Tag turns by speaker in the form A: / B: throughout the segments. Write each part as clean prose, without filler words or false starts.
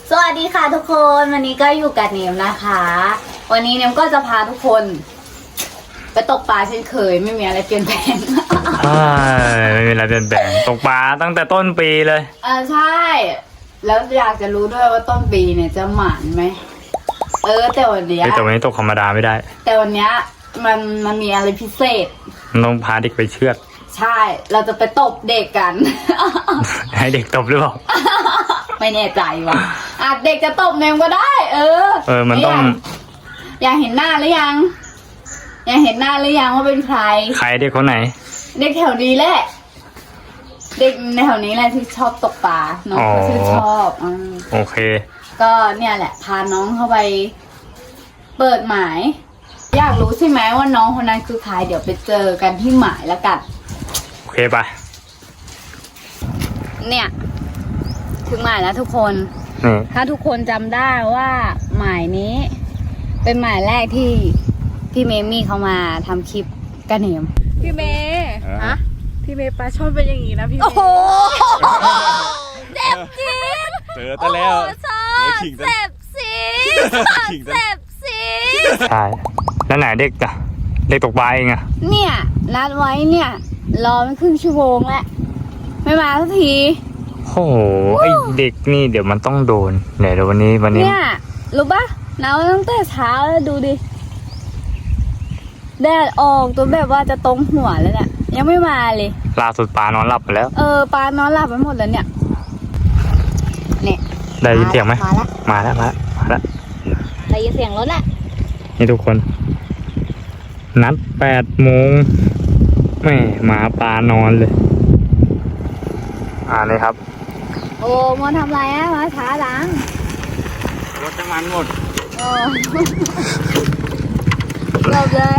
A: สวัสดีค่ะทุกคนวันนี้ก็อยู่กับเนมนะคะ วันนี้เนมก็จะพาทุกคนไปตกปลาเช่นเคยไม่มีอะไรเปลี่ยนแปลง
B: ไม่มีอะไรเปลี่ยนแปลงตกปลาตั้งแต่ต้นปีเลย
A: ใช่แล้วอยากจะรู้ด้วยว่าต้นปีเนี่ยจะหมานไหมแต่วันนี้
B: ตกธรรมดาไม่ได้
A: แต่วันนี้มันมีอะไรพิเศษ
B: ต้องพาเด็กไปเชือด
A: ใช่เราจะไปตบเด็กกัน
B: ให้เด็กตบหรือเปล่า
A: ไม่แน่ใจว่ะอาจเด็กจะตบเนมก็ได้
B: มันต้อง
A: อยากเห็นหน้าหรือยังว่าเป็นใคร
B: เด็กคนไหน
A: เด็กแถวนี้แหละเด็กในแถวนี้แหละที่ชอบตกปลาน้องเขาชื่นชอบ
B: โอเค
A: ก็เนี่ยแหละพาน้องเข้าไปเปิดหมายอยากรู้ใช่ไหมว่าน้องคนนั้นคือใครเดี๋ยวไปเจอกันที่หมายแล้วกัน
B: โอเคไป
A: เนี่ยถึงหมายแล้วทุกคนถ้าทุกคนจำได้ว่าหมายนี้เป็นหมายแรกที่พี่เมมี่เขามาทำคลิปกันเหนม
C: พี่เมย์ฮะพี่เมย์ปลาช่อนเป็นอย่างนี้นะพี่เมย์
A: โอ้โหเจ็บจี๊ด
D: เจอแต่แล้ว
A: เจ็บสี
B: ใช่แล้วไหนเด็กอะเด็กตกปลาเองอะ
A: เนี่ยนัดไว้เนี่ยรอไม่ครึ่งชั่วโมงแล้วไม่มาสักที
B: โอ้โหไอเด็กนี่เดี๋ยวมันต้องโดนเดี๋ยววันนี้
A: เนี่ยรู้ปะน้าตั้งแต่เช้าแล้วดูดิแดดออกตัวแบบว่าจะตรงหัวแล้วเนี่ยยังไม่มาเลย
B: ล่าสุดปลานอนหลับไปแล้ว
A: ปลานอนหลับไปหมดแล้วเนี่ย
B: ได้ยินเสียงไหมมาแล้ว
A: ได้ยินเสียงรถแหละ
B: นี่ทุกคนนัด8 โมงแม่หมาปลานอนเลยนี่ครับ
A: โอ้มอนทำไรมาช้าจัง
B: รถน้ำมันหมด
A: จบเลย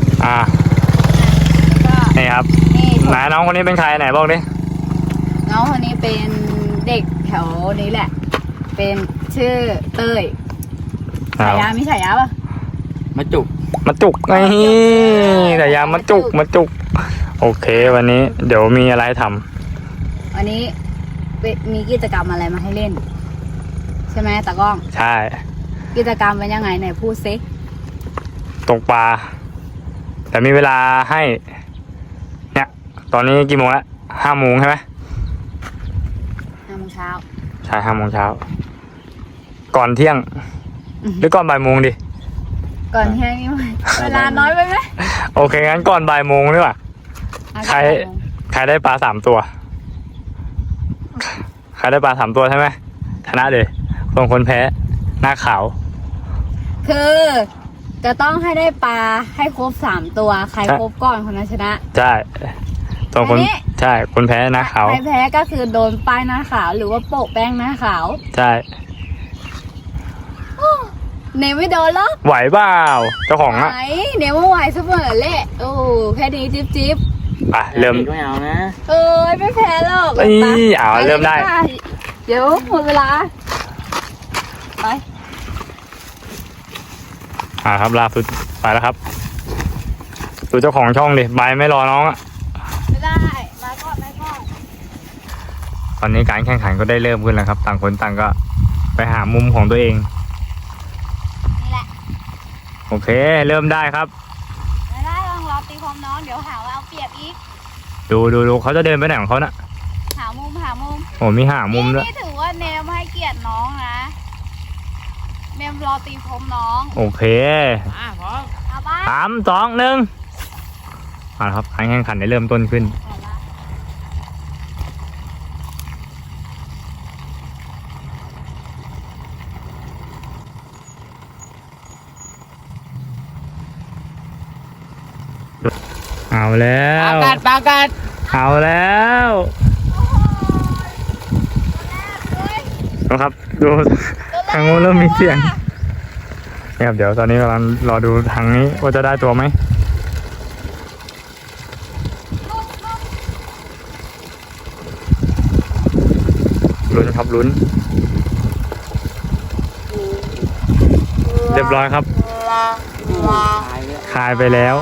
B: นี่ครับไหนน้องคนนี้เป็นใครไหนบอกดิ
A: น้องคนนี้เป็นเด็กแถวนี้แหละเป็นชื่อเต้ยฉายามีฉายาป่ะ
B: มาจุกนี่ฉายามาจุกโอเควันนี้เดี๋ยวมีอะไรทำ
A: วันนี้มีกิจกรรมอะไรมาให้เล่นใช่ไหมตากล้อง
B: ใช่
A: กิจกรรมเป็นยังไงไหนพูดซิ
B: ตกปลาแต่มีเวลาให้เนี่ยตอนนี้กี่โมงแล้ว5 โมงใช่ไหม
A: 5 โมงเช้า
B: ใช่5 โมงเช้าก่อนเที่ยงหรือก่อนบ่ายโมงดิ
A: ก่อนเที่ยงนี่เวลาน้อยไปไหม
B: โอเคงั้นก่อนบ่ายโมงดีกว่าใครได้ปลา3 ตัวใครได้ปลา3 ตัวใช่ไหมชนะเลยส่วนคนแพ้หน้าขาว
A: คือจะต้องให้ได้ปลาให้ครบ3 ตัวใครครบก่อนคนนั้นชนะ
B: ใช่ส่วนคนใช่คนแพ้หน้าขาว
A: ใครแพ้ก็คือโดนป้ายหน้าขาวหรือว่าโปะแป้งหน้าขาว
B: ใช่
A: เนมไม่โดนหรอ
B: ไหวเปล่าเจ้าของอะ
A: ไหวเนมว่าไหวซุปเปอร์เละโอ้แค่นี้จิ๊บ
B: เริ่ม
C: ไม่เอานะ
A: ไม่แพ้หรอก
B: เริ่มได้
A: เดี๋ยวหมดเวลาไป
B: ครับล่าสุดไปแล้วครับดูเจ้าของช่องดิใบไม่รอน้องอะ
A: ไม่ได้มาก่อน
B: ตอนนี้การแข่งขันก็ได้เริ่มขึ้นแล้วครับต่างคนต่างก็ไปหามุมของตัวเอง
A: นี่แหละ
B: โอเคเริ่มได้ครับ
A: ไม่ได้ต้องรอตีความน้องเดี๋ยวหาว่าเอาเปรียบอีก
B: ดูเขาจะเดินไปไหนของเขาน่ะ
A: หามุม
B: โอ้มีหามุมด้วย
A: นี่ถือว่าเนมให้เกียรติน้องนะเนมรอตีพรมน้อง
B: โอเค
A: พร้อม
B: 3 2 1ครับการแข่งขันได้เริ่มต้นขึ้นเอาแล้ว
C: ปากัด
B: เอาแล้วครับดูทางโน้นเริ่มมีเสียงนี่ครับเดี๋ยวตอนนี้กำลังรอดูทางนี้ว่าจะได้ตัวไหมลุ้นครับลุ้นเรียบร้อยครับคายไปแล้ว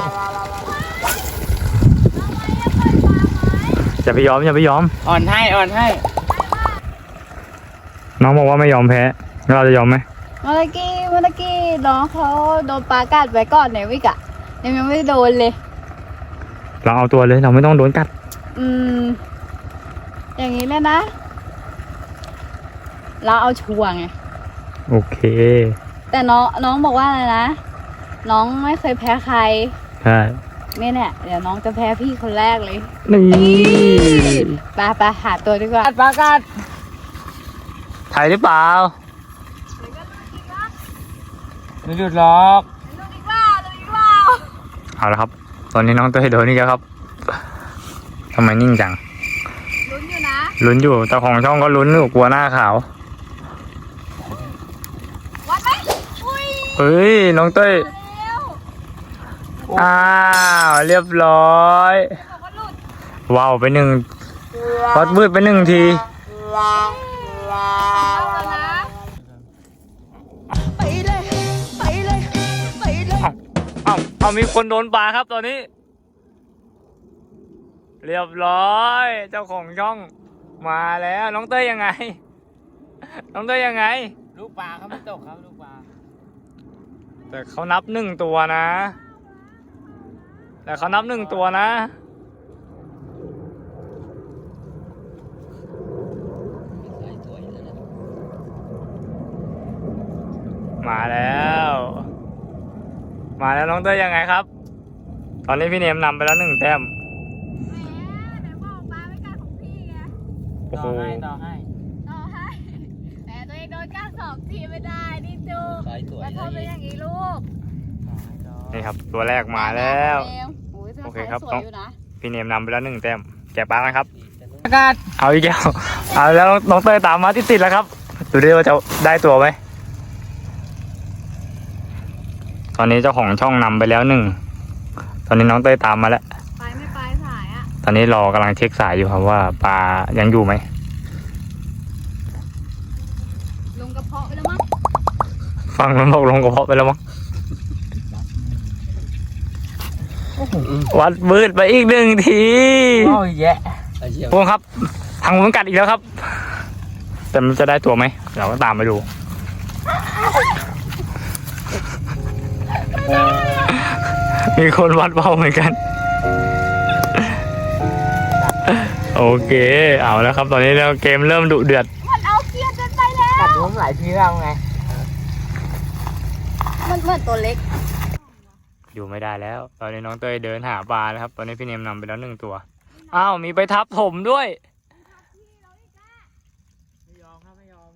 B: อย่าไปยอม
C: อ่อนให้
B: น้องบอกว่าไม่ยอมแพ้เราจะยอมไหม
A: เมื่อกี้น้องเขาโดนปลากัดไปก่อนในวิกอะยังไม่โดนเลย
B: เราเอาตัวเลยเราไม่ต้องโดนกัด
A: อย่างนี้เลยนะ เราเอาชัวร์ไง
B: โอเค
A: แต่น้องบอกว่าอะไรนะ น้องไม่เคยแพ้ใคร
B: ใช่
A: เนี่ยเดี๋ยวน้องจะแพ้พี่คนแรกเลย
B: นี่
A: ไปหาตัวดีกว่าปลากัด
B: ไทยหรือเปล่าไม่หยุดหรอก
A: ดูดีกว่า
B: เอาละครับ ตอนนี้น้องเต้ยโดนนี่แล้วครับทำไมนิ่งจัง
A: ลุ้นอยู่นะ
B: ลุ้นอยู่เจ้าของช่องก็ลุ้นอยู่กลัวหน้าขาว
A: วัดไหมอุ้ย
B: เฮ้ยน้องเต้ย
A: เร็ว
B: อ้าวเรียบร้อย
A: บอกว่าหลุด
B: ว้าวไปหนึ่งวัดมืดไปหนึ่งที
A: เอาแล้วนะ
B: เอามีคนโดนปลาครับตอนนี้ เรียบร้อย เจ้าของช่องมาแล้วน้องเต้ยยังไง น้องเต้ยยังไง
D: ลูกปลาเขาไม่ตกครับลูกปลา
B: แต่เขานับหนึ่งตัวนะ มาแล้วน้องเต้ยยังไงครับ ตอนนี้พี่เนมนำไปแล้ว1 แต้ม
A: แหมไหนบอกปลาไม่กัดของพี่ไง
B: โอ้โห
D: ต่อให้
A: ต่อให้แต่ตัวเองโดนกัด2 ทีไม่ได้นี่จูก
D: สายสวย
A: แล้วพอเป็นอย่างนี้ลูก
B: นี่ครับตัวแรกมาแล้ว
A: โอ้ย
B: โอเคครับ
A: สวยอยู่นะ
B: พี่เนมนำไปแล้ว1 แต้มแกะปลากันครับ
D: อากาศ
B: เอาอีกแล้วเอาแล้วน้องเต้ยตามมาติดๆแล้วครับ ดูดิว่าจะได้ตัวไหม ตอนนี้เจ้าของช่องนำไปแล้ว1 ตอนนี้น้องเต้ยตามมาแล้ว
A: ไปไม่ไปสายอ่ะ
B: ตอนนี้รอกำลังเช็คสายอยู่ครับว่าปลายังอยู่ไหม
A: ลงกระเพาะไปแล้วมั้ง
B: ฟังมันบอกลงกระเพาะไปแล้วมั้งวัดมืดไปอีก1 ที
D: โอ้ยแยะไอ้เชี่ย
B: พวกครับทางมันกัดอีกแล้วครับ แต่มันจะได้ตัวไหมเราก็ตามไปดู มีคนวัดเบาเหมือนกัน โอเคเอาแล้วครับ ตอนนี้เราเกมเริ่มดุเดือด
A: มันเอาเกียร์จนไปแล้ว
D: กัดผมหลายทีแล้วไง
A: มันเหมือนตัวเล็ก
B: อยู่ไม่ได้แล้ว ตอนนี้น้องเต้ยเดินหาปลานะครับ ตอนนี้พี่เนมนำไปแล้ว1 ตัวอ้าวมีไปทับผมด้วย
D: ไม่ยอมครับไม่ยอม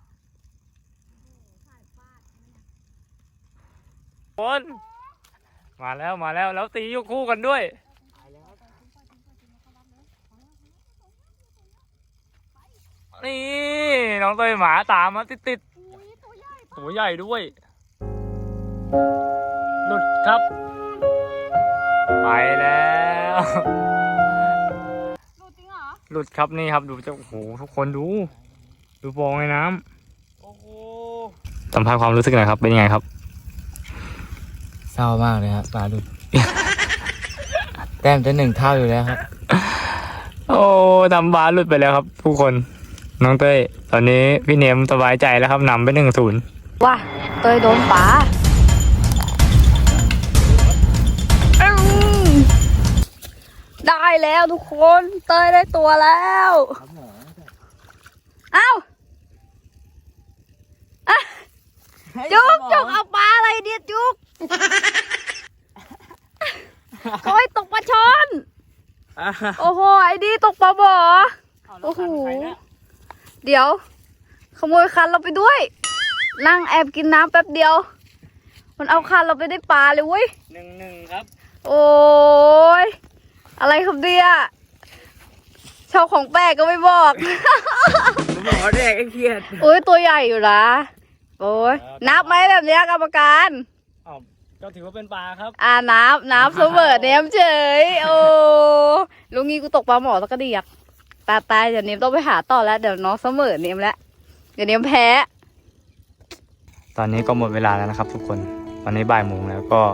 B: คนมาแล้วแล้วตีอยู่คู่กันด้วย นี่น้องเต้ยหมาตามมาติดๆตัวใหญ่ด้วย หลุดครับ ไปแล้ว
A: ดูจริงเหรอ
B: หลุดครับนี่ครับดูเจ้าโอ้โหทุกคนดูฟองในน้ำ
D: โอ้โห
B: สัมภาษณ์ความรู้สึกหน่อยครับเป็นยังไงครับ
D: เศร้ามากเลยครับปลาดุก แต้มจะ1 เท่าอยู่แล้วครับ
B: โอ้ทำบาสหลุดไปแล้วครับทุกคนน้องเต้ยตอนนี้พี่เนมสบายใจแล้วครับนำไป1-0
A: ว่าเตยโดนปลาได้แล้วทุกคนเตยได้ตัวแล้วเอ้าอ่ะจุกเอาปลาอะไรเนี่ยจุกเขาให้ตกปลาช่อนโอ้โหไอ้ดีตกปลาบ่อโอ้โหเดี๋ยวขโมยคันเราไปด้วยนั่งแอบกินน้ำแป๊บเดียวมันเอาคันเราไปได้ปลาเลยเว้ย
B: 1-1ครับ
A: โอ้ยอะไรครับเนี่ยชอบของแปลกก็ไม่บอก
D: ผมบอกแรกไอ้เครียด
A: โอ้ยตัวใหญ่อยู่นะโอ้ยนับไหมแบบเนี้ยกรรมการ
B: อ้าวก็ถือว่าเป็นปลาครับ
A: นับเสมอเนมเฉยโอ้ลุงงี้กูตกปลาหมอตะกระเดียกตายเดี๋ยวเนมต้องไปหาต่อแล้วเดี๋ยวน้องเสมอเนมแล้วเดี๋ยวเนมแพ้
B: ตอนนี้ก็หมดเวลาแล้วนะครับ ทุกคนตอนนี้บ่ายโมงแล้วก็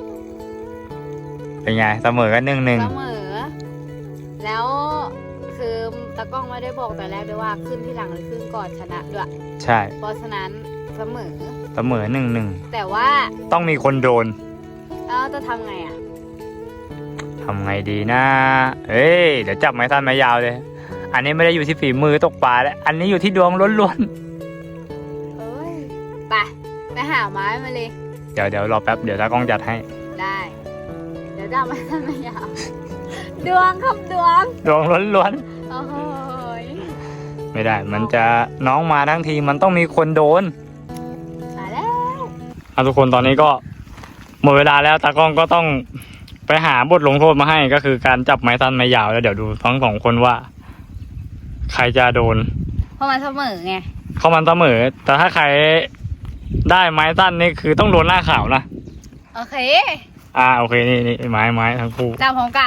B: เป็นไงเสมอกัน
A: เส
B: 1-1
A: มอแล้วคือตากล้องไม่ได้บอกแต่แรกด้วยว่าขึ้นที่หลังหรือขึ้นก่อนชนะด้วย
B: ใช่
A: เพราะฉะนั้นเสมอ
B: เสมอ1-1
A: แต่ว่า
B: ต้องมีคนโดน
A: เราจะทำไงอ่ะ
B: ทำไงดีนะเอ้ยเดี๋ยวจับไม้สั้นไม้ยาวเลย อันนี้ไม่ได้อยู่ที่ฝีมือตกปลาแล้วอันนี้อยู่ที่ดวงล้วน
A: เอ้ยไปหาไม้มาเลย
B: ๆเดี๋ยวรอแป๊บเดี๋ยวตากล้องจัดให้
A: ได้ เดี๋ยวจะเอาไม้สั้นไม้ยาว ดวงครับดวง
B: ดวงล้วน
A: โอ้โหย
B: ๆไม่ได้มันจะน้องมาทั้งทีมันต้องมีคนโดน
A: มาแล้ว
B: ทุกคนตอนนี้ก็หมดเวลาแล้วตากล้องก็ต้องไปหาบทลงโทษมาให้ก็คือการจับไม้สั้นไม้ยาวแล้วเดี๋ยวดูทั้งสองคนว่า ใครจะโดน
A: เพราะมันเสมอไง
B: เข้ามันเสมอแต่ถ้าใครได้ไม้สั้นนี่คือต้องโดนหน้าขาวนะ
A: โอเค
B: โอเคนี่ไม้ทั้งคู่
A: จับพร้อมกัน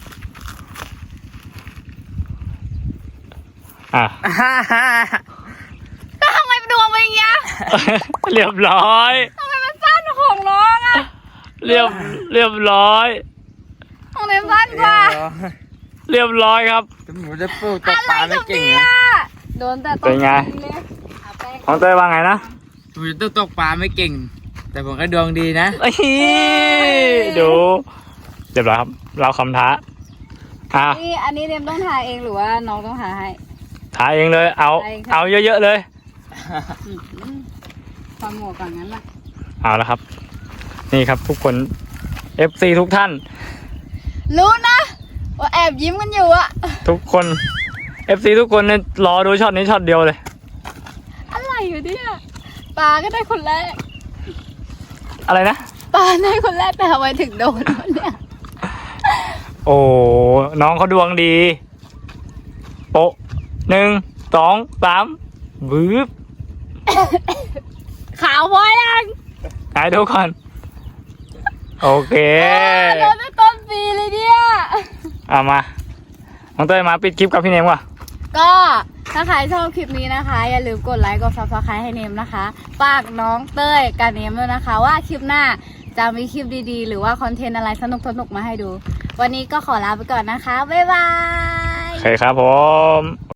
A: แล้วทำไมดวงเป็นอย่างเงี้ย
B: เรียบร้อย
A: ทำไมมันสั้นของน้องอ่ะ
B: เรียบร้อย
A: ของเนมสั้นกว่า
B: เรียบร้อยครับ
D: หมูจะปลูกตกปลาไม่เก่งนะ
A: โดนแต่ต้
B: เป็นไง
A: เลยเอาแป้ง
B: ของเต้ยว่าไงนะ
D: หมูจะตกปลาไม่เก่ง แต่ผมก็ดวงดีนะ
B: ดูเรียบร้อยครับ เราคำท้า
A: นี่อันนี้เนมต้องทาเองหรือว่าน้องต้องทาให้
B: ท้าเองเลย เอาเยอะๆเลย
A: ความหมวกก่อนงั้นล่ะ
B: เอาละครับ นี่ครับทุกคน FC ทุกท่าน
A: รู้นะว่าแอบยิ้มกันอยู่อะ
B: ทุกคน FC ทุกคนเนี่ยรอดูช็อตนี้ช็อตเดียวเลย
A: อะไรอยู่เนี่ยปลาก็ได้คนแรก
B: อะไรนะ
A: ปลาได้คนแรกแต่ทำไมถึงโดนวะเนี่ย
B: โอ้น้องเขาดวงดี โปะ1 2 3บึ๊บ
A: ขาวพอยัง
B: ไหนดูก่อน โอเค
A: โดนตั้งต้นปีเลยเนี่ย
B: มาน้องเต้ยมาปิดคลิปกับพี่เนมว่ะ
A: ก็ถ้าใครชอบคลิปนี้นะคะ อย่าลืมกดไลค์กด Subscribe ให้เนมนะคะฝากน้องเต้ยกับเนมด้วยนะคะ ว่าคลิปหน้าจะมีคลิปดีๆ หรือว่าคอนเทนต์อะไรสนุกๆมาให้ดู วันนี้ก็ขอลาไปก่อนนะคะ บ๊ายบาย
B: โอเคครับผม